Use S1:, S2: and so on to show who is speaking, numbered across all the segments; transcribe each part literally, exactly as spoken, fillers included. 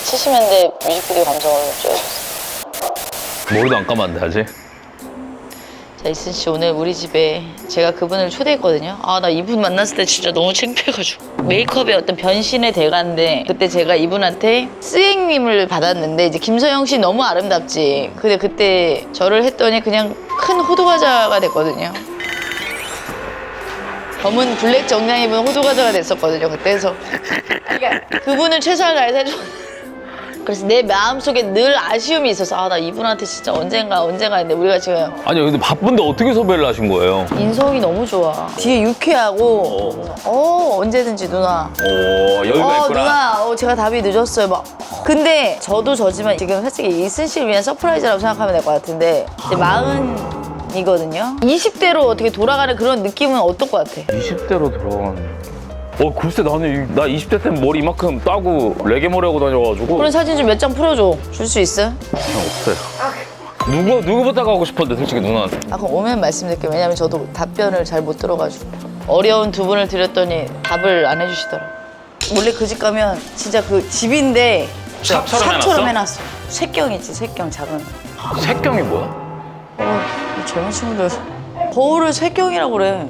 S1: 칠십 년대 뮤직비디오 감성으로 찍어줬어.
S2: 머리도 안 감았는데 아직?
S1: 자, 이슨 씨 오늘 우리 집에 제가 그분을 초대했거든요. 아, 나 이분 만났을 때 진짜 너무 창피해가지고. 메이크업의 어떤 변신의 대가인데 그때 제가 이분한테 스웩님을 받았는데 이제 김서영 씨 너무 아름답지. 근데 그때 저를 했더니 그냥 큰 호두과자가 됐거든요. 검은 블랙 정장 입은 호두과자가 됐었거든요. 그때서 그러니까 그분은 최선을 다해서 해줘. 그래서 내 마음속에 늘 아쉬움이 있어서 아, 나 이분한테 진짜 언젠가 언젠가 했는데 우리가 지금
S2: 아니 근데 바쁜데 어떻게 섭외를 하신 거예요?
S1: 인성이 너무 좋아. 뒤에 유쾌하고 어 언제든지 누나
S2: 오 여유가
S1: 어
S2: 있구나.
S1: 누나 어 제가 답이 늦었어요 막. 근데 저도 저지만 지금 솔직히 이슨 씨를 위한 서프라이즈라고 생각하면 될 것 같은데 이제 마흔이거든요. 이십 대로 어떻게 돌아가는 그런 느낌은 어떨 것 같아?
S2: 이십 대로 들어가는. 어 글쎄 나는 이- 나 이십 대 때는 머리 이만큼 따고 레게 머리 하고 다녀가지고
S1: 그런 사진 좀 몇 장 풀어줘. 줄 수 있어?
S2: 그냥 없어요. 누구 누구부터 가고 싶었는데 솔직히 누나한테.
S1: 아 그럼 오면 말씀드릴게요. 왜냐면 저도 답변을 잘 못 들어가지고 어려운 두 분을 드렸더니 답을 안 해주시더라. 원래 그 집 가면 진짜 그 집인데
S2: 샵처럼
S1: 샵처럼
S2: 해놨어?
S1: 해놨어. 쇠경이지 쇠경 작은.
S2: 색경이 뭐야?
S1: 어, 이 젊은 친구들 거울을 쇠경이라고 그래.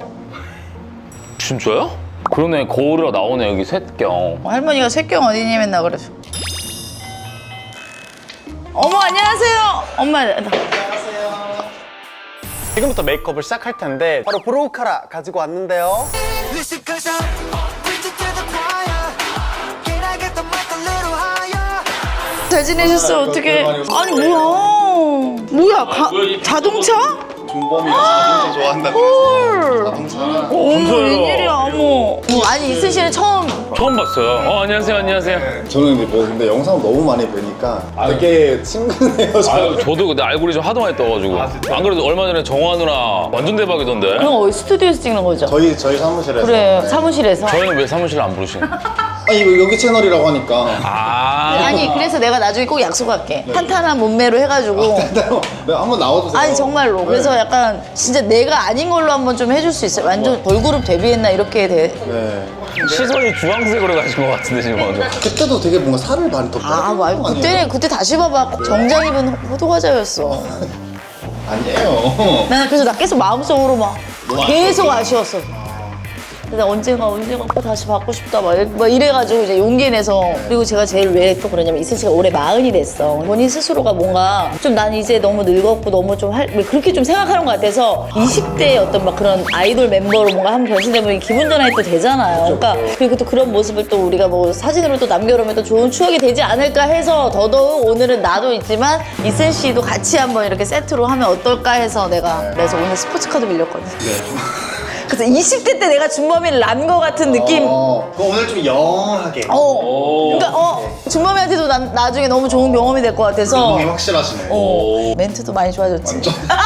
S2: 진짜요? 그러네 거울이라 나오네 여기 색경.
S1: 할머니가 쇠경 어디니 맨날 그래서. 어머 안녕하세요. 엄마 나-
S3: 지금부터 메이크업을 시작할 텐데 바로 브로우 카라 가지고 왔는데요.
S4: Listen, cause I'm preaching to the choir. Can I get the mic a little higher?
S1: 잘 지내셨어 어떻게? 아니 뭐야? 뭐야 가, 자동차?
S5: 준범이가 자동차 좋아한다고
S1: 헐.
S5: 자동차랑
S1: 어머 웬일이야 어머. 뭐, 아니 이슨 씨는 처음
S2: 처음 봤어요. 어 안녕하세요 안녕하세요.
S5: 저는 이제 뭐 근데 영상 너무 많이 보니까 되게 친근해요. 저.
S2: 아유 저도 근데 알고리즘 하도 많이 떠가지고 안 그래도 얼마 전에 정화 누나 완전 대박이던데.
S1: 그럼 어디 스튜디오에서 찍는 거죠?
S5: 저희 저희 사무실에서
S1: 그래
S5: 네.
S1: 사무실에서.
S2: 저희는 왜 사무실 안 부르시는?
S5: 아 이거 여기 채널이라고 하니까
S2: 아
S1: 아니 그래서 내가 나중에 꼭 약속할게. 탄탄한 몸매로 해가지고.
S5: 네, 한번 나와주세요.
S1: 아니 정말로.
S5: 네.
S1: 그래서 약간 진짜 내가 아닌 걸로 한번 좀 해줄 수 있어요. 완전 걸그룹 데뷔했나 이렇게 돼.
S5: 네.
S2: 시선이 주황색으로 가신 것 같은데 지금 완전.
S5: 그때도 되게 뭔가 살을 많이 더
S1: 아
S5: 빼는
S1: 말고
S5: 거
S1: 그때
S5: 아니에요?
S1: 그때 다시 봐봐. 정장 입은 호두과자였어.
S5: 아니에요.
S1: 나는 그래서 나 계속 마음속으로 막 계속 아쉬웠어. 근데 언젠가 언젠가 또 다시 받고 싶다 막, 이래- 막 이래가지고 이제 용기 내서. 그리고 제가 제일 왜 또 그러냐면 이슬 씨가 올해 마흔이 됐어. 본인 스스로가 뭔가 좀 난 이제 너무 늙었고 너무 좀 할, 왜 그렇게 좀 생각하는 것 같아서 이십 대의 어떤 막 그런 아이돌 멤버로 뭔가 한번 변신되면 기분 전환이 또 되잖아요. 그러니까 그리고 또 그런 모습을 또 우리가 뭐 사진으로 또 남겨놓으면 또 좋은 추억이 되지 않을까 해서 더더욱 오늘은 나도 있지만 이슬 씨도 같이 한번 이렇게 세트로 하면 어떨까 해서 내가 그래서 오늘 스포츠카도 밀렸거든. 그래서 이십 대 때 내가 준범이를 난 거 같은 느낌.
S5: 어, 그럼 오늘 좀 영하게.
S1: 어. 그러니까 어 준범이한테도 난 나중에 너무 좋은 경험이 될 것 같아서.
S5: 운동이 확실하시네.
S1: 어. 멘트도 많이 좋아졌지.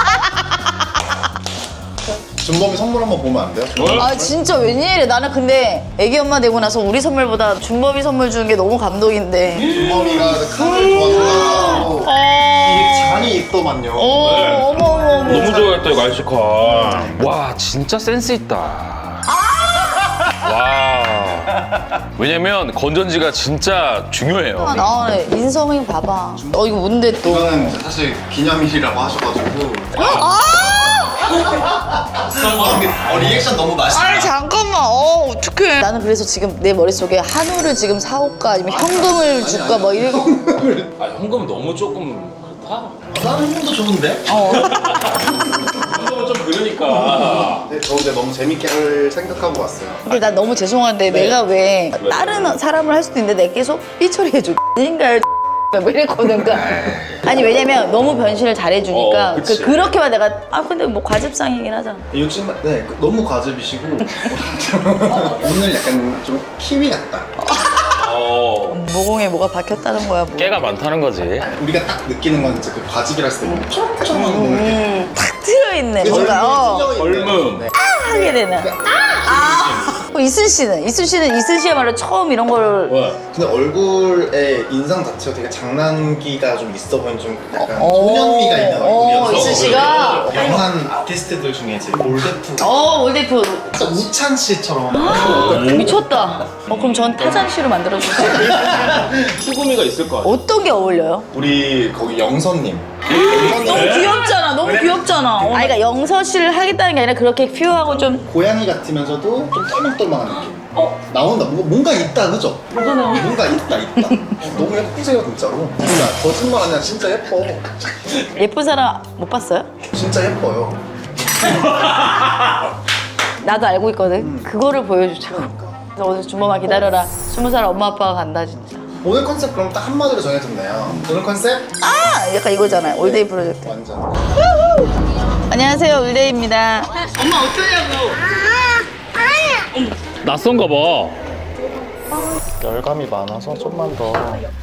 S5: 준범이 선물 한번 보면 안 돼요?
S1: 아 진짜 웬일이야. 나는 근데 애기 엄마 되고 나서 우리 선물보다 준범이 선물 주는 게 너무 감동인데.
S5: 준범이가 칼을 좋아하고 이게 잔이 있더만요.
S1: 어, 어머 어머 어머.
S2: 너무 좋아했다 이거 알시카. 와 진짜 센스 있다. 와. 왜냐면 건전지가 진짜 중요해요.
S1: 아, 나 인성이 봐봐. 어 이거 뭔데 또.
S5: 이거는 사실 기념일이라고 하셔가지고.
S1: 아!
S5: 어, 리액션 너무 맛있다.
S1: 아니 잠깐만. 어 어떡해. 나는 그래서 지금 내 머릿속에 한우를 지금 사올까 아니면 현금을 줄까 뭐 이런.
S2: 아 현금 너무 조금 그렇다.
S5: 다른 형도 좋은데?
S1: 어.
S2: 현금은 좀 그러니까.
S5: 네, 저 근데 너무 재밌게 할 생각하고 왔어요.
S1: 근데 난 너무 죄송한데 내가 왜 다른 사람을 할 수도 있는데 내 계속 삐처리해줘. 인가요? 뭐 이랬거든. 그러니까. 아니 왜냐면 너무 변신을 잘해주니까
S2: 어,
S1: 그,
S2: 그치.
S1: 그렇게만 내가 아 근데 뭐 과즙상이긴 하잖아.
S5: 요즘 네 그- 너무 과즙이시고 오늘 약간 좀 키위 같다.
S2: 어.
S1: 모공에 뭐가 박혔다는 거야 뭐.
S2: 깨가 많다는 거지.
S5: 우리가 딱 느끼는 건 진짜 그 과즙이라 했을 때 초록초록한 거 이렇게
S1: 탁 트여있네 뭔가 어.
S2: 얼음.
S5: 네.
S1: 하게 되는. 아! 어, 그럼 이슬 씨는? 이슬 씨는 이슬 씨야말로 처음 이런 걸
S5: 근데 얼굴의 인상 자체가 되게 장난기가 좀 있어 보이는 좀 약간
S1: 어,
S5: 소년미가 있는
S1: 어,
S5: 얼굴이어서
S1: 이슬 씨가
S5: 영한 아티스트들 중에 이제 올데프
S1: 어 올데프
S5: 진짜 우찬 씨처럼
S1: 미쳤다. 어 그럼 전 타잔 씨로 만들어 주세요.
S2: 수고미가 있을 거 아니야.
S1: 어떤 게 어울려요?
S5: 우리 거기 영선님
S1: 너무 귀엽잖아. 너무 귀엽잖아. 어, 아니 그러니까 영서 씨를 하겠다는 게 아니라 그렇게 퓨어하고 좀
S5: 고양이 같으면서도 좀 똘망똘망한 느낌 나온다 뭔가, 뭔가 있다 그죠? 뭐가 나와? 뭔가 있다 있다 너무 예쁘세요 진짜로 진짜 거짓말 아니라 진짜 예뻐
S1: 예쁜 사람 못 봤어요?
S5: 진짜 예뻐요
S1: 나도 알고 있거든. 그거를 보여주죠. 그래서 오늘 준범아 기다려라. 스무 살 엄마 아빠가 간다 진짜.
S5: 오늘 컨셉 그럼 딱 한마디로 정해졌네요 오늘 컨셉?
S1: 아 약간 이거잖아요. 올데이 프로젝트.
S5: 완전
S1: 안녕하세요 올데이입니다.
S2: 낯선가 봐.
S3: 열감이 많아서 좀만 더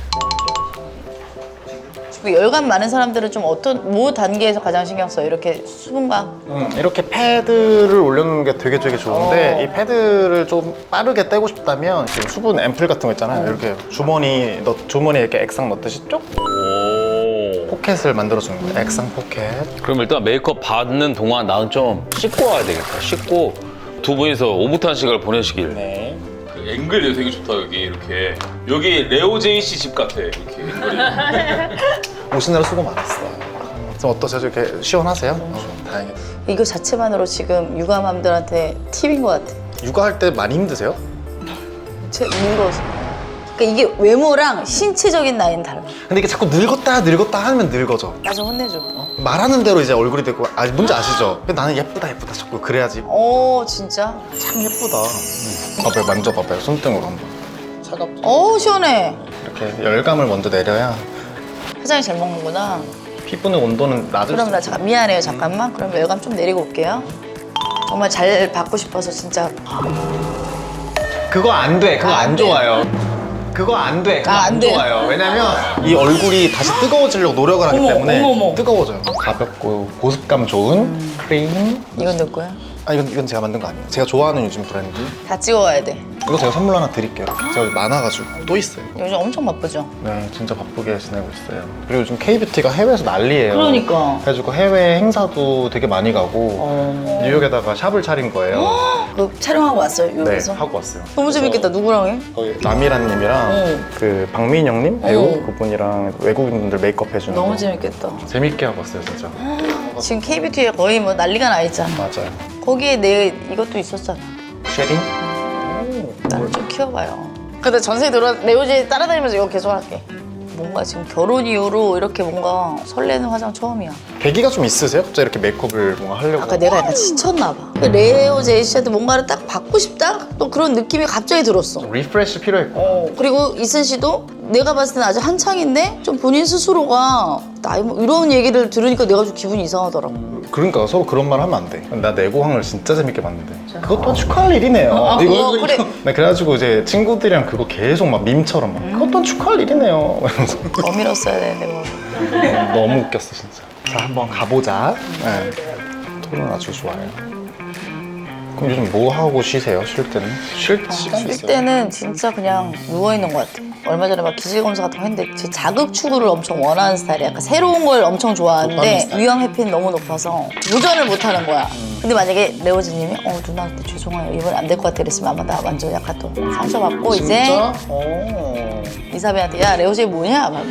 S1: 그 열감 많은 사람들은 좀 어떤 뭐 단계에서 가장 신경 써요? 이렇게 수분감.
S3: 음, 이렇게 패드를 올려놓는 게 되게 되게 좋은데
S1: 어.
S3: 이 패드를 좀 빠르게 떼고 싶다면 지금 수분 앰플 같은 거 있잖아요 이렇게 주머니 넣, 주머니에 이렇게 액상 넣듯이 쭉
S2: 오.
S3: 포켓을 만들어주는 거예요 액상 포켓
S2: 그럼 일단 메이크업 받는 동안 나는 좀 씻고 와야 되겠다. 씻고 두 분이서 오붓한 시간을 보내시길.
S3: 네.
S2: 그 앵글이 되게 좋다 여기 이렇게. 여기 레오 제이 씨 집 같아 이렇게 앵글이.
S3: 오시느라 수고 많았어요 좀 어떠세요? 이렇게 시원하세요? 어, 다행이다
S1: 이거 자체만으로 지금 육아맘들한테 팁인 것 같아.
S3: 육아할 때 많이 힘드세요?
S1: 제 늙어서. 그러니까 이게 외모랑 신체적인 나이는 달라.
S3: 근데 이게 자꾸 늙었다 늙었다 하면 늙어져
S1: 나 좀 혼내줘.
S3: 말하는 대로 이제 얼굴이 되고 아 뭔지 아시죠? 근데 나는 예쁘다 예쁘다 자꾸 그래야지
S1: 어 진짜?
S3: 참 예쁘다 음. 봐봐요 만져봐봐요 손등으로 한번 차갑죠?
S1: 어 시원해.
S3: 이렇게 열감을 먼저 내려야
S1: 화장이 잘 먹는구나.
S3: 피부의 온도는 낮을
S1: 그럼
S3: 수
S1: 나 잠깐 미안해요 잠깐만. 그럼 열감 좀 내리고 올게요. 정말 잘 받고 싶어서 진짜.
S3: 그거 안 돼. 그거 안 좋아요. 그거 안 돼. 그거
S1: 아, 안
S3: 안
S1: 돼요?
S3: 좋아요. 왜냐면 이 얼굴이 다시 뜨거워지려고 노력을 하기
S1: 어머,
S3: 때문에
S1: 어머, 어머.
S3: 뜨거워져요. 가볍고 보습감 좋은 크림.
S1: 이건 너 거야?
S3: 아 이건 이건 제가 만든 거 아니에요. 제가 좋아하는 요즘 브랜드.
S1: 다 찍어와야 돼.
S3: 이거 제가 선물 하나 드릴게요. 제가 많아가지고 또 있어요.
S1: 요즘 엄청 바쁘죠?
S3: 네, 진짜 바쁘게 지내고 있어요. 그리고 요즘 K뷰티가 해외에서 난리예요.
S1: 그러니까.
S3: 그래가지고 해외 행사도 되게 많이 가고
S1: 어...
S3: 뉴욕에다가 샵을 차린 거예요.
S1: 그 촬영하고 왔어요
S3: 네,
S1: 유럽에서?
S3: 하고 왔어요.
S1: 너무 재밌겠다. 누구랑 해?
S3: 거기 라미란님이랑
S1: 어.
S3: 그 박민영님 배우
S1: 어.
S3: 그분이랑 외국인분들 메이크업 해주는
S1: 너무
S3: 거
S1: 재밌겠다.
S3: 재밌게 하고 왔어요 진짜.
S1: 지금 K뷰티에 거의 뭐 난리가 나 있잖아.
S3: 맞아요.
S1: 거기에 내 이것도 있었잖아.
S3: 쉐링?
S1: 나를 좀 키워봐요. 근데 전세 들어 레오지 따라다니면서 이거 계속 할게. 뭔가 지금 결혼 이후로 이렇게 뭔가 설레는 화장 처음이야.
S3: 계기가 좀 있으세요? 갑자기 이렇게 메이크업을 뭔가 하려고.
S1: 아까 내가 약간 지쳤나 봐. 그 레오 제이 씨한테 뭔가를 딱 받고 싶다? 또 그런 느낌이 갑자기 들었어.
S3: 리프레시 필요했고.
S1: 어, 그리고 이슬 씨도 내가 봤을 때는 아직 한창인데 좀 본인 스스로가 나이 뭐 이런 얘기를 들으니까 내가 좀 기분이 이상하더라고.
S3: 그러니까 서로 그런 말 하면 안 돼. 나 내고항을 진짜 재밌게 봤는데. 그것도 축하할 일이네요.
S1: 아,
S3: 이거,
S1: 그거, 그래.
S3: 네, 그래가지고 이제 친구들이랑 그거 계속 막 밈처럼 막 그것도 축하할 일이네요. 이러면서
S1: 더 밀었어야 되는데 뭐.
S3: 너무 웃겼어 진짜. 자 한번 가보자. 네. 토론 아주 좋아요. 그럼 요즘 뭐 하고 쉬세요? 쉴 때는? 쉴 시간
S1: 쉴
S3: 있어요?
S1: 때는 진짜 그냥 누워있는 것 같아. 얼마 전에 막 기질검사 같은 거 했는데 제 자극 추구를 엄청 원하는 스타일이야. 약간 새로운 걸 엄청
S3: 좋아하는
S1: 좋아하는데
S3: 스타일.
S1: 위험 회피는 너무 높아서 도전을 못 하는 거야. 근데 만약에 레오지님이 어 누나 근데 죄송해요 이번에 안 될 것 같아 이랬으면 아마 나 완전 약간 또 상처받고 이제
S3: 진짜? 오.
S1: 이사배한테 야 레오지 뭐냐? 막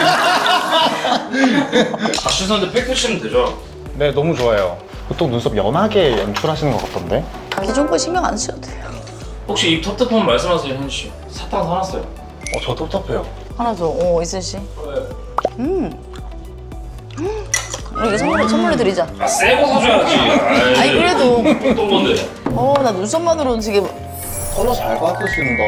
S2: 다시선데 팩 펴시면 되죠.
S3: 네 너무 좋아요. 보통 눈썹 연하게 연출하시는 것 같던데?
S1: 기존 거 신경 안 쓰셔도 돼요. 혹시
S2: 입 텁텁하면 말씀하세요 현지 씨. 사탕 사놨어요.
S3: 어, 저 텁텁해요.
S1: 하나 더. 어 이슬 씨. 음. 음. 이거 선물 선물로 드리자.
S2: 아 새거 사줘야지.
S1: 아니 그래도
S2: 어떤 건데?
S1: 어 나 눈썹만으로는 되게
S3: 컬러 잘 받으신다.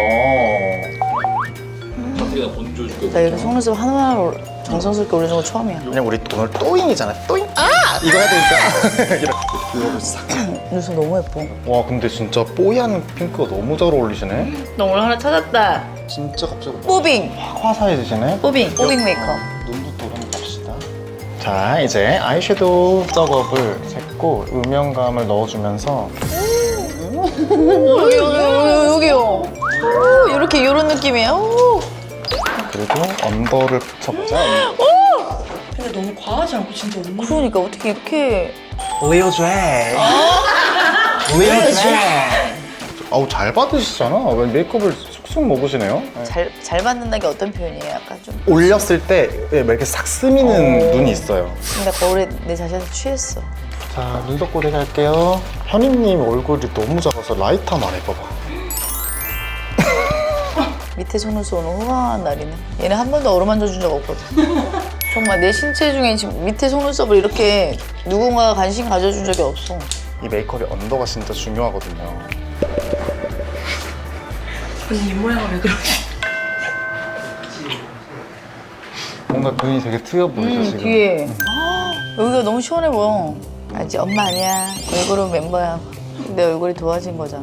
S2: 어떻게 나 번져줄게.
S1: 나 이렇게 속눈썹 하나하나 정성스럽게 올려준 거 처음이야.
S3: 그냥 우리 오늘 또잉이잖아. 또잉. 아! 이거 해야 되니까. 이렇게 이거를 싹.
S1: 눈썹 너무 예뻐.
S3: 와 근데 진짜 뽀얀 핑크가 너무 잘 어울리시네.
S1: 너 오늘 하나 찾았다.
S3: 진짜 갑자기
S1: 뽀빙.
S3: 확 화사해지시네.
S1: 뽀빙. 뽀빙 메이크업.
S3: 눈부터 한번 갑시다. 자 이제 아이섀도우 작업을 했고 음영감을 넣어주면서
S1: 여기, 여기, 여기, 여기요. 오, 이렇게, 이런 느낌이에요. 오.
S3: 그리고 언더를 붙여보자.
S6: 근데 너무 과하지 않고 진짜 언니.
S1: 그러니까 어떻게 이렇게.
S3: 리오 드레. 리오 드레. 아우 잘 받으시잖아. 왜 메이크업을 쑥쑥 먹으시네요. 네.
S1: 잘, 잘 받는다는 게 어떤 표현이에요? 약간 좀.
S3: 올렸을 때 이렇게 싹 스미는 눈이 있어요.
S1: 근데 거울에 내 자신한테 취했어.
S3: 자, 눈썹 고데기 할게요. 현희님 얼굴이 너무 작아서 라이터 한번 해봐봐.
S1: 밑에 속눈썹 오늘 호강한 날이네. 얘는 한 번도 어루만져 준 적 없거든. 정말 내 신체 중에 지금 밑에 속눈썹을 이렇게 누군가가 관심 가져준 적이 없어.
S3: 이 메이크업의 언더가 진짜 중요하거든요.
S6: 언니 입모양은 왜 그러지?
S3: 뭔가 눈이 되게 트여 보이죠,
S1: 음,
S3: 지금?
S1: 뒤에. 여기가 너무 시원해 보여. 알지? 엄마 아니야. 얼굴은 멤버야. 내 얼굴이 도와진 거잖아.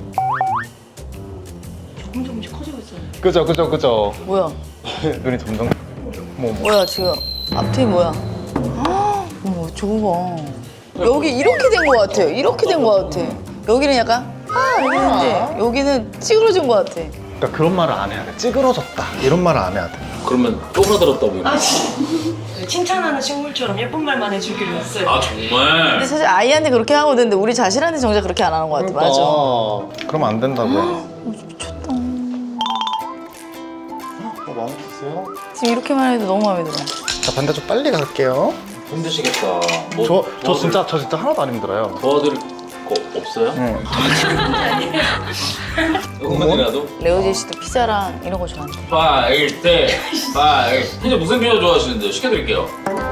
S6: 조금 조금씩 커지고 있어요.
S3: 그죠, 그죠, 그죠.
S1: 뭐야?
S3: 눈이 점점. 뭐, 뭐.
S1: 뭐야 지금? 앞뒤 뭐야? 헉, 어머 저거 봐. 여기 이렇게 된 거 같아요. 이렇게 된 거 같아. 여기는 약간 아 이랬는데 여기는 찌그러진 거 같아.
S3: 그러니까 그런 말을 안 해야 돼. 찌그러졌다. 이런 말을 안 해야 돼.
S2: 그러면 쪼그라들었다고.
S6: 아 진짜. 칭찬하는 식물처럼 예쁜 말만 해주기로 했어요.
S2: 아 정말?
S1: 근데 사실 아이한테 그렇게 하거든. 근데 우리 자신한테 정작 그렇게 안 하는 거 같아. 맞아.
S3: 그러면 안 된다고요.
S1: 미쳤다.
S3: 어, 마음에 드세요?
S1: 지금 이렇게만 해도 너무 마음에 들어.
S3: 자, 반대쪽 빨리 갈게요.
S2: 힘드시겠다.
S3: 저, 저
S2: 도와드릴-
S3: 진짜, 저 진짜 하나도 안 힘들어요.
S2: 도와드릴 거 없어요?
S3: 응.
S2: 조금만이라도?
S1: 레오제 씨도 피자랑 이런 거 좋아한대.
S2: 파일 때 파일. 근데 무슨 피자 좋아하시는데 시켜드릴게요.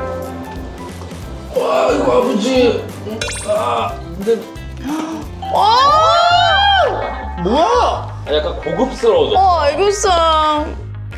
S2: 와 이거 아버지. 아 근데
S1: 와!
S3: 뭐야?
S2: 아, 약간 고급스러워져.
S1: 어 애교상.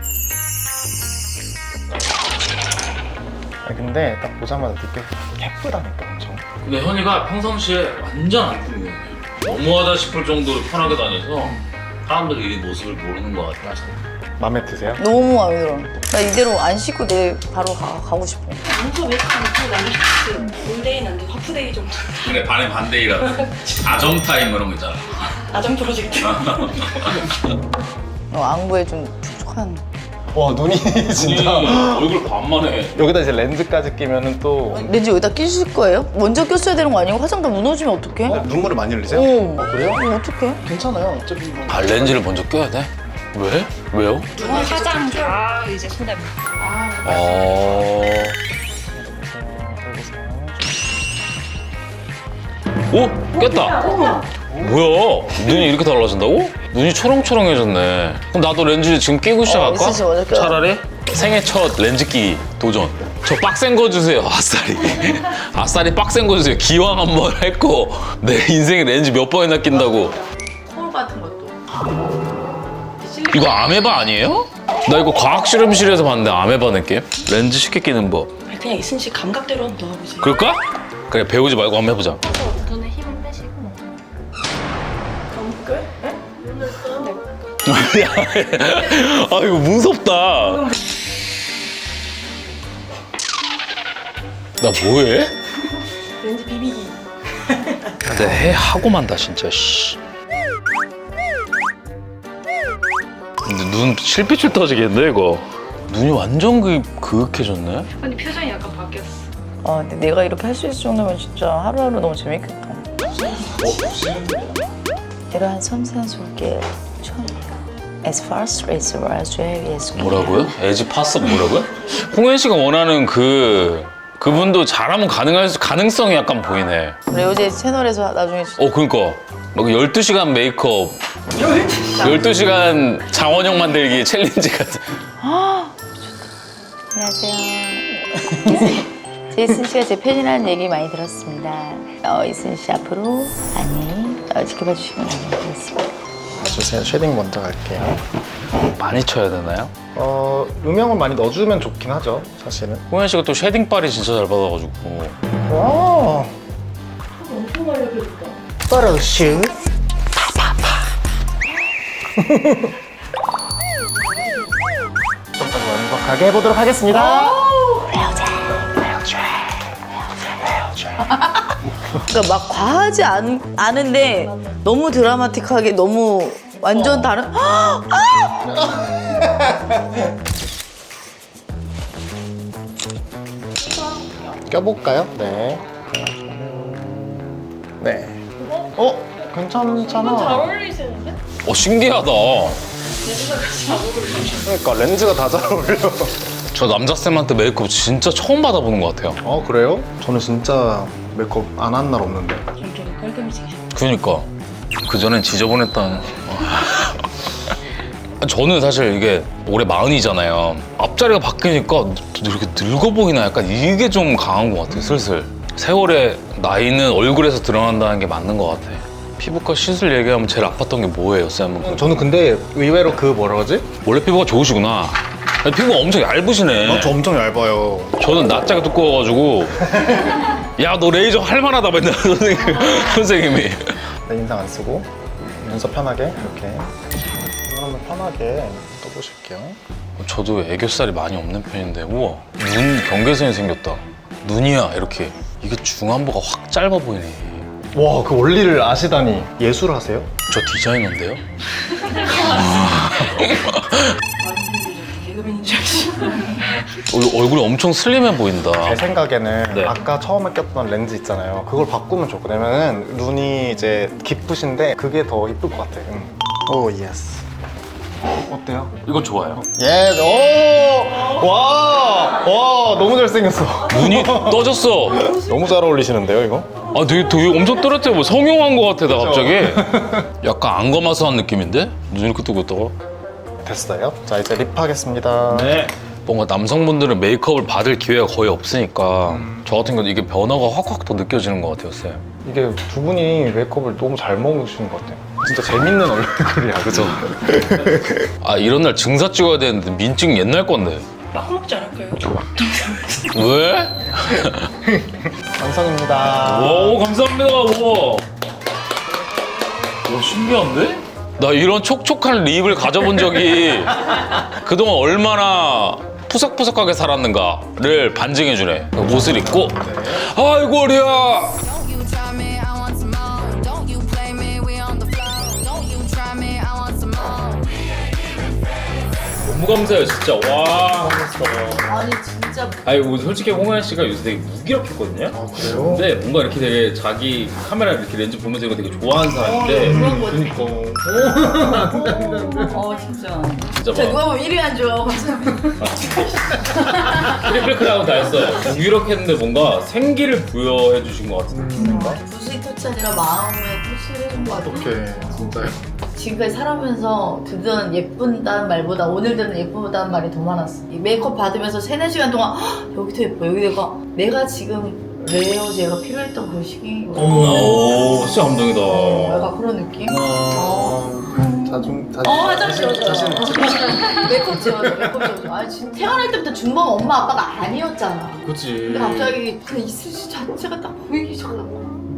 S3: 아, 근데 딱 보자마자 느껴 예쁘다니까 엄청.
S2: 근데 현이가 평상시에 완전 안 꾸미거든요. 너무하다 싶을 정도로 편하게 다녀서 사람들이 이 모습을 모르는 것 같아.
S3: 마음에 드세요?
S1: 너무 마음에 들어. 나 이대로 안 씻고 내일 바로 가, 가고 싶어.
S6: 눈썹 메이크업 못하고 남겨주셨어요. 올데이는 안 돼. 하프데이 정도.
S2: 근데 반의 반대이라 아점 타임 이런 거 있잖아.
S6: 아점 프로젝트.
S1: 어, 안구에 좀 촉촉한.
S3: 와 눈이 진짜.
S2: 얼굴 반만 해.
S3: 여기다 이제 렌즈까지 끼면은 또
S1: 렌즈 여기다 끼실 거예요? 먼저 꼈어야 되는 거 아니고 화장 다 무너지면 어떡해?
S5: 눈물을 많이 흘리세요?
S1: 어.
S3: 그래요?
S1: 어, 어떡해?
S3: 괜찮아요. 어차피 뭐.
S2: 아 렌즈를 먼저 껴야 돼? 왜? 왜요?
S6: 화장 다 이제 손에.
S2: 어. 오 깼다. 뭐야? 눈이 이렇게 달라진다고? 눈이 초롱초롱해졌네. 그럼 나도 렌즈 지금 끼고 시작할까?
S1: 있을 수 먼저 껴요.
S2: 차라리 생애 첫 렌즈 끼기 도전. 저 빡센 거 주세요, 아싸리. 아싸리 빡센 거 주세요. 기왕 한번 했고 내 인생에 렌즈 몇 번이나 낀다고.
S6: 코 같은 것도.
S2: 이거 아메바 아니에요? 나 이거 과학 실험실에서 봤는데 아메바 느낌? 렌즈 쉽게 끼는 법.
S6: 아니, 그냥 이순 씨 감각대로 한번 넣어보세요.
S2: 그럴까? 그래 배우지 말고 한번 해보자.
S6: 눈에 힘을 빼시고. 감끌? 네? 눈을 떠.
S2: 아 이거 무섭다. 나 뭐해?
S6: 렌즈 비비기.
S2: 근데 해 하고 만다 진짜. 씨. 근데 눈 실핏줄 터지겠네 이거. 눈이 완전 그 그윽해졌네.
S6: 언니 표정이 약간 바뀌었어.
S1: 아, 근데 내가 이렇게 할 수 있을 정도면 진짜 하루하루 너무 재밌겠다. 이러한 섬세한 손길 처음이에요. As fast as Roswell is
S2: 뭐라고요? 에지 파스 뭐라고요? 홍현 씨가 원하는 그 그분도 잘하면 가능할 수, 가능성이 약간 보이네.
S1: 레오제 채널에서 나중에
S2: 어 그러니까 막 열두 시간 메이크업 열두 시간 장원영 만들기 챌린지 같은.
S1: 안녕하세요. 제이슨 씨가 제 팬이라는 얘기 많이 들었습니다. 어, 이순 씨 앞으로 많이 어, 지켜봐 주시면 감사하겠습니다.
S3: 주세요. 쉐딩 먼저 갈게요.
S2: 많이 쳐야 되나요?
S3: 어 음영을 많이 넣어주면 좋긴 하죠. 사실은.
S2: 홍현 씨가 또 쉐딩빨이 진짜 잘 받아가지고.
S3: 와.
S6: 엄청 알려드렸다.
S3: 파라슈. 좀더 완벽하게 해보도록 하겠습니다.
S1: 그러니까 막 과하지 않, 않은데 너무 드라마틱하게 너무 완전 다른. 아!
S3: 껴볼까요? 네. 네. 어? 괜찮잖아.
S6: 어울리시는데?
S2: 어 신기하다.
S3: 그러니까 렌즈가 다 잘 어울려.
S2: 저 남자쌤한테 메이크업 진짜 처음 받아보는 것 같아요.
S3: 어 그래요? 저는 진짜 메이크업 안 한 날 없는데.
S2: 그니까 그전엔 지저분했던. 저는 사실 이게 올해 마흔이잖아요. 앞자리가 바뀌니까 이렇게 늙어 보이나 약간 이게 좀 강한 것 같아요. 슬슬 세월의 나이는 얼굴에서 드러난다는 게 맞는 것 같아. 피부과 시술 얘기하면 제일 아팠던 게 뭐예요, 쌤은?
S3: 저는 근데 의외로 그 뭐라 그러지?
S2: 원래 피부가 좋으시구나. 아니, 피부가 엄청 얇으시네.
S3: 아, 저 엄청 얇아요.
S2: 저는 낯짝이 두꺼워가지고 야 너 레이저 할만하다 맨날 선생님, 선생님이.
S3: 내 인상 안 쓰고 눈썹 편하게 이렇게 눈 한번 편하게 떠보실게요.
S2: 저도 애교살이 많이 없는 편인데 우와 눈 경계선이 생겼다. 눈이야 이렇게. 이게 중안부가 확 짧아 보이네.
S3: 와, 그 원리를 아시다니. 예술 하세요?
S2: 저 디자이너인데요?
S6: 개그맨인 줄 아시죠?
S2: 어, 얼굴이 엄청 슬림해 보인다.
S3: 제 생각에는
S2: 네.
S3: 아까 처음에 꼈던 렌즈 있잖아요. 그걸 바꾸면 좋거든요. 왜냐면 눈이 이제 깊으신데 그게 더 이쁠 것 같아요. 응. 오, 예스. 어때요?
S2: 이거 좋아요.
S3: 예, 오! 와! 와, 너무 잘생겼어.
S2: 눈이 떠졌어.
S3: 너무 잘 어울리시는데요, 이거?
S2: 아 되게, 되게 엄청 또렷해. 뭐 성형한 것 같아 나 갑자기. 약간 안검하수한 느낌인데? 눈 이렇게 뜨고 있다가.
S3: 됐어요. 자, 이제 립 하겠습니다.
S2: 네. 뭔가 남성분들은 메이크업을 받을 기회가 거의 없으니까
S3: 음.
S2: 저 같은 경우는 이게 변화가 확확 더 느껴지는 것 같아요, 쌤.
S3: 이게 두 분이 메이크업을 너무 잘 먹으시는 것 같아요. 진짜 재밌는 얼굴이야, 그죠?
S2: 아 이런 날 증사 찍어야 되는데 민증 옛날 건데.
S6: 막 먹지 않을까요?
S2: 왜?
S3: 완성입니다.
S2: 오 감사합니다. 오. 오 신기한데? 나 이런 촉촉한 립을 가져본 적이 그동안 얼마나 푸석푸석하게 살았는가를 반증해주네. 옷을 입고 아이고 어리야.
S7: Don't you try me, I want some more. Don't you play me, we on the floor. Don't you try me, I want some more.
S2: 너무 감사해요 진짜. 와.
S1: 아니 진짜
S8: 아니 뭐 솔직히 홍현 씨가 요새 되게 무기력했거든요.
S3: 아, 그래요?
S8: 근데 뭔가 이렇게 되게 자기 카메라 이렇게 렌즈 보면서 이거 되게 좋아하는 사람인데
S1: 그런 거
S3: 그니까.
S1: 어 진짜
S8: 진짜
S1: 자
S8: 막
S1: 누가 보면 일 위 안 줘.
S8: 트리플 크라운 다 했어. 무기력했는데 뭔가 생기를 부여해 주신 것 같은 느낌인가?
S1: 부수의 터치 아니라 마음의 터치를 해준 것 같아.
S3: 어떡해, 진짜요?
S1: 지금까지 살아오면서 듣던 예쁜다는 말보다 오늘 듣는 예쁘다는 말이 더 많았어. 이 메이크업 받으면서 세네 시간 동안 "헉, 여기도 예뻐 여기도 예뻐. 내가 지금 레이어제가 필요했던 그 시기.
S8: 오 진짜 감동이다.
S1: 약간 그런 느낌? 어.
S3: 자중, 자중.
S1: 어, 화장실 지워줘. 메이크업 지워줘, 메이크업 지워줘. 아니, 지금 태어날 때부터 준범 엄마 아빠가 아니었잖아.
S8: 그치.
S1: 근데 갑자기 그 이슬씨 자체가 딱 보이기 시작하고.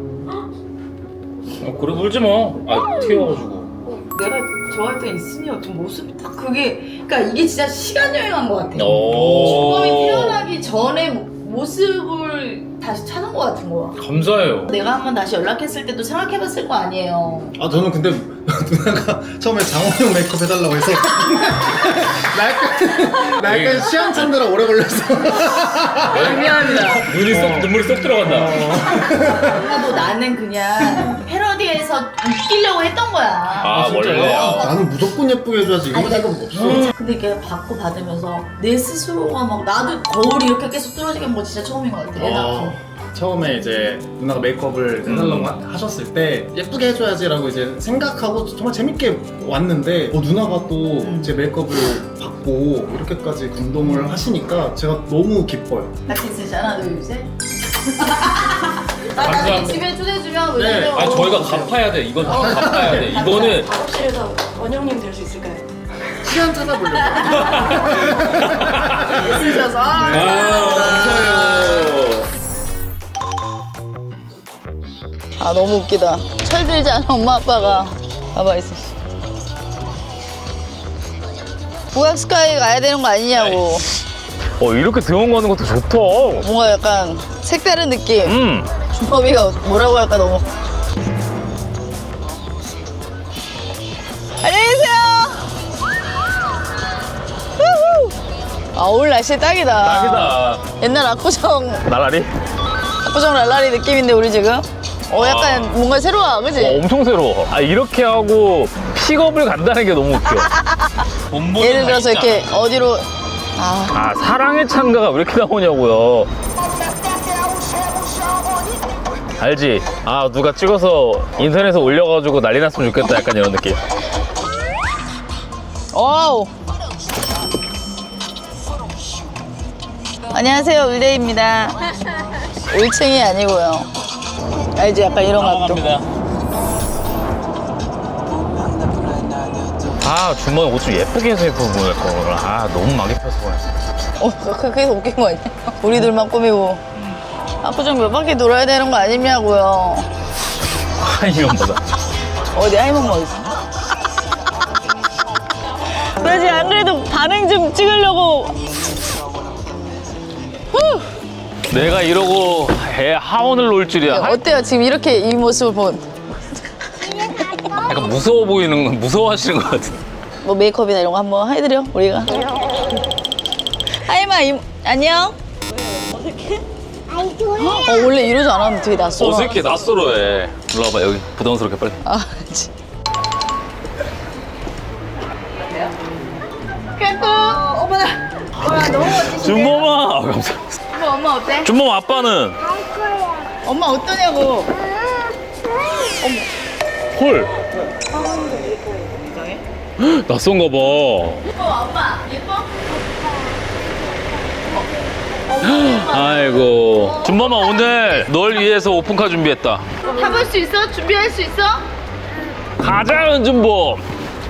S8: 어, 그래 울지 마. 아 튀어가지고.
S1: 내가 좋아했던 이슬이 어떤 모습이 딱 그게, 그러니까 이게 진짜 시간 여행한 것 같아.
S8: 오.
S1: 준범이 태어나기 전에 모습을 다시 찾은 것 같은 거야.
S8: 감사해요.
S1: 내가 한번 다시 연락했을 때도 생각해봤을 거 아니에요.
S5: 아 저는 근데 누나가 처음에 장원영 메이크업 해달라고 해서 나 약간 나 약간 시한찮느라 오래 걸렸어.
S1: 미안합니다.
S8: 눈이 쏙 눈물이 쏙 들어간다.
S1: 누나도 나는 그냥 패러디에서 웃기려고 했던 거야.
S8: 아 원래.
S5: 아, 나는 무조건 예쁘게 해줘야지 이런
S1: 아니,
S5: 생각은 없어.
S1: 근데 이게 받고 받으면서 내 스스로가 막 나도 거울이 이렇게 계속 뚫어지게 한 거 진짜 처음인 것 같아. 애 낳고.
S5: 처음에 이제 누나가 메이크업을 해달라고 하- 하셨을 때 예쁘게 해줘야지라고 이제 생각하고 정말 재밌게 왔는데 어, 누나가 또 제 메이크업을 받고 이렇게까지 감동을 하시니까 제가 너무 기뻐요.
S1: 같이 쓰잖아, 너 요새. 나 나중에
S8: 감사합니다.
S1: 집에 초대해주면
S5: 네.
S1: 왜냐면
S8: 아 저희가 갚아야 돼. 이건 다 갚아야 돼. 이거는
S6: 작업실에서 원영님 될 수 있을까요?
S5: 시간 찾아보려고.
S1: 쓰셔서
S8: 아 감사해요.
S1: 아 너무 웃기다. 철들지 않아 엄마 아빠가. 가봐 있어. 부각 스카이 가야 되는 거 아니냐고.
S2: 어 이렇게 대원 가는 것도 좋다.
S1: 뭔가 약간 색다른 느낌.
S2: 음
S1: 준범이가 뭐라고 할까 너무. 안녕히 계세요. 후후. 아 오늘 날씨 딱이다.
S8: 딱이다.
S1: 옛날 압구정
S8: 나라리?
S1: 압구정 랄라리 느낌인데 우리 지금. 어 약간 뭔가 새로워, 그지?
S8: 어, 엄청 새로워. 아 이렇게 하고 픽업을 간다는 게 너무 웃겨.
S1: 예를 들어서 이렇게 어디로 아
S8: 아 사랑의 찬가가 왜 이렇게 나오냐고요. 알지? 아 누가 찍어서 인터넷에 올려가지고 난리 났으면 좋겠다 약간 이런 느낌.
S1: 어우. 안녕하세요, 울데이입니다. 일 층이 아니고요. 알지? 약간 이런 것도.
S8: 아 주머니 옷 좀 예쁘게 해서 입고 보낼 걸. 아 너무 막 입혀서 보냈어.
S1: 어, 그- 그게 더 웃긴 거 아니야? 우리들만 꾸미고. 압구정 몇 바퀴 돌아야 되는 거 아니냐고요.
S8: 하이면보다.
S1: 어디 하이몬 어디 있어? 그러지 안 그래도 반응 좀 찍으려고. 후!
S8: 내가 이러고 애 하원을 놓을 줄이야.
S1: 어때요? 지금 이렇게 이 모습을 본.
S8: 약간 무서워 보이는 건 무서워하시는 것 같은데.
S1: 뭐 메이크업이나 이런 거 한번 해드려 우리가. 하이마 이, 안녕. 어색해? 어 원래 이러지 않았는데 되게 낯설어.
S8: 어색해 낯설어해. 일로 와봐 여기 부담스럽게 빨리.
S1: 아, 그치. 까꿍. 어머나. 와 너무 멋지시네.
S8: 준범아. 아, 감사합니다.
S1: 엄마, 엄마 어때?
S8: 준범 아빠는
S1: 엄마 어떠냐고.
S8: 헐. 낯선가 봐.
S1: 예뻐 엄마 예뻐?
S8: 아이고. 준범아 오늘 널 위해서 오픈카 준비했다.
S1: 해볼 수 있어? 준비할 수 있어?
S8: 가자 은준범.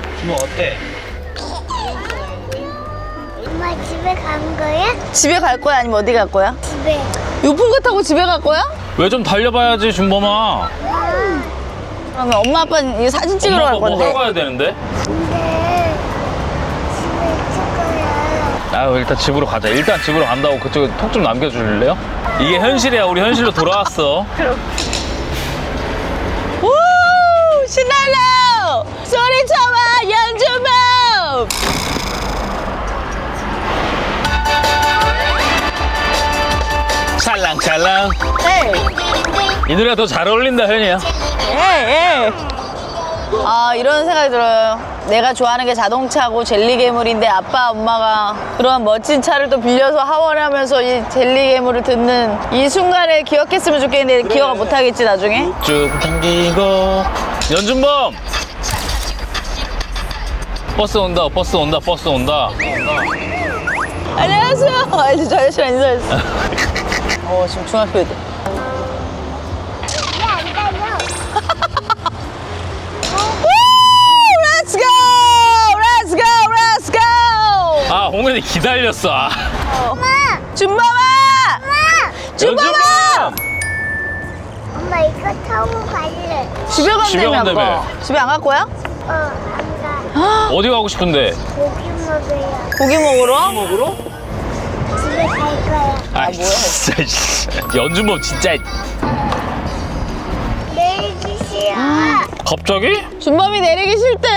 S9: 엄마 집에 간 거야?
S1: 집에 갈 거야 아니면 어디 갈 거야?
S9: 집에.
S1: 요풍카 타고 집에 갈 거야?
S8: 왜 좀 달려봐야지 준범아.
S1: 그러면 엄마 아빠는 이 사진 찍으러
S8: 엄마
S1: 갈
S8: 뭐 하러
S1: 건데.
S8: 가야 되는데?
S9: 근데 집에 있을 거야.
S8: 아 일단 집으로 가자. 일단 집으로 간다고 그쪽에 톡 좀 남겨줄래요? 이게 현실이야. 우리 현실로 돌아왔어.
S1: 우 신나요. 소리쳐봐 연주범.
S8: 찰랑찰랑.
S1: 에이
S8: 이 노래가 더 잘 어울린다 현이야.
S1: 에이 에이. 아 이런 생각이 들어요. 내가 좋아하는 게 자동차고 젤리 괴물인데 아빠 엄마가 그런 멋진 차를 또 빌려서 하원하면서 이 젤리 괴물을 듣는 이 순간을 기억했으면 좋겠는데 기억 못하겠지 나중에.
S8: 쭉 당기고. 연준범. 버스 온다. 버스 온다. 버스 온다.
S1: 안녕하세요. 알지 저 아저씨랑 인사했어. 어 지금 중학교 애들.
S9: 왜안 다녀?
S1: Let's go! Let's go! Let's go!
S8: 아 홍현이 기다렸어. 아.
S1: 준범아! 준범아!
S8: 연준범.
S9: 엄마 이거 타고 갈래.
S1: 집에
S8: 집에
S1: 간다며
S8: 간다며.
S1: 아까. 집에 안 갈 거야?
S9: 어, 안 가.
S8: 어디 가고 싶은데?
S9: 고기 먹어요.
S1: 고기 먹으러?
S8: 먹으러?
S9: 집에 갈 거야.
S8: 아 진짜. 씨. 연준범 진짜.
S9: 내리기 싫어.
S8: 갑자기?
S1: 준범이 내리기 싫대.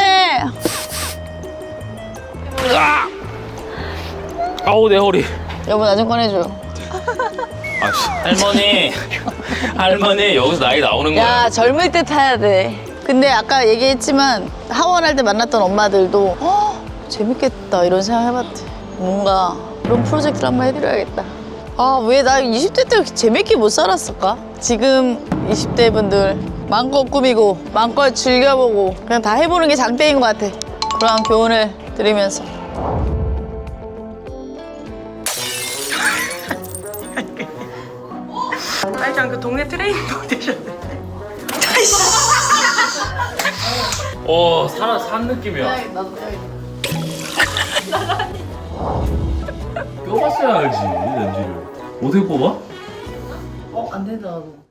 S8: 아! 아우 내 허리.
S1: 여보 나 좀 꺼내줘.
S8: 아씨. 할머니. 할머니 여기서 나이 나오는 거야.
S1: 야 젊을 때 타야 돼. 근데 아까 얘기했지만 하원할 때 만났던 엄마들도 어, 재밌겠다 이런 생각 해봤대. 뭔가 그런 프로젝트를 한번 해드려야겠다. 아 왜 나 이십 대 때 그렇게 재밌게 못 살았을까? 지금 이십 대 분들 마음껏 꾸미고 마음껏 즐겨보고 그냥 다 해보는 게 장땡인 것 같아. 그러한 교훈을 드리면서.
S6: 알지 않그 동네 트레이닝복 되셨네.
S8: 어, 산, 산 느낌이야.
S1: 나도
S8: 껴봤어야 알지, 렌즈를. 어떻게 뽑아?
S1: 어? 안 된다 나도.